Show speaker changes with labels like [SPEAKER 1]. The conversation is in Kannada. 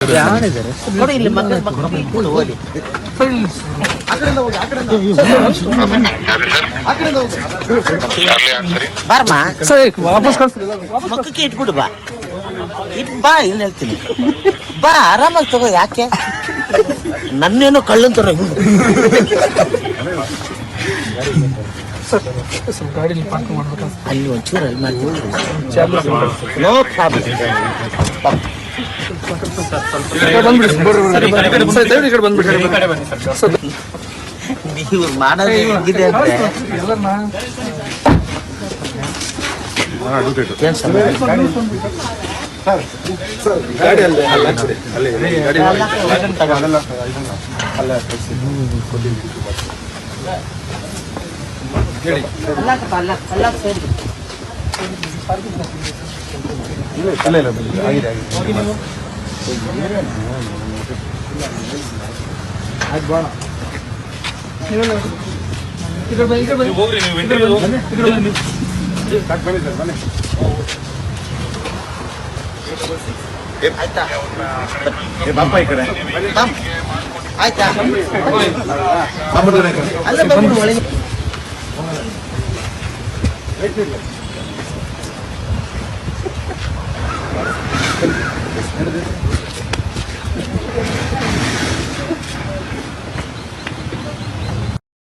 [SPEAKER 1] ನೋಡಿ ಇಲ್ಲಿ ಮಕ್ಕಳು ಓದಿ ಬಾರಮ್ಮ
[SPEAKER 2] ವಾಪಸ್
[SPEAKER 1] ಮಕ್ಕಕ್ಕೆ ಇಟ್ಬಿಡು ಬಾ ಬಾ ಇಲ್ಲಿ ಹೇಳ್ತೀನಿ ಬಾ ಆರಾಮಾಗಿ ತಗೋ ಯಾಕೆ ನನ್ನೇನೋ ಕಳ್ಳಂತರ
[SPEAKER 2] ಗಾಡಿ ಪಾರ್ಕ್ ಮಾಡ್ಬೇಕು
[SPEAKER 1] ಅಲ್ಲಿ ಒಂಚೂರು ಅಲ್ಲಿ ಮಾಡ್ತೀನಿ ನೋ ಪ್ರಾಬ್ಲಮ್ ನೀವು ಮಾಡೋದು ಹೆಂಗಿದೆ ಅಂದ್ರೆ
[SPEAKER 3] ಬಾಪ ಈ ಕಡೆ
[SPEAKER 1] ಆಯ್ತಾ ಅಲ್ಲ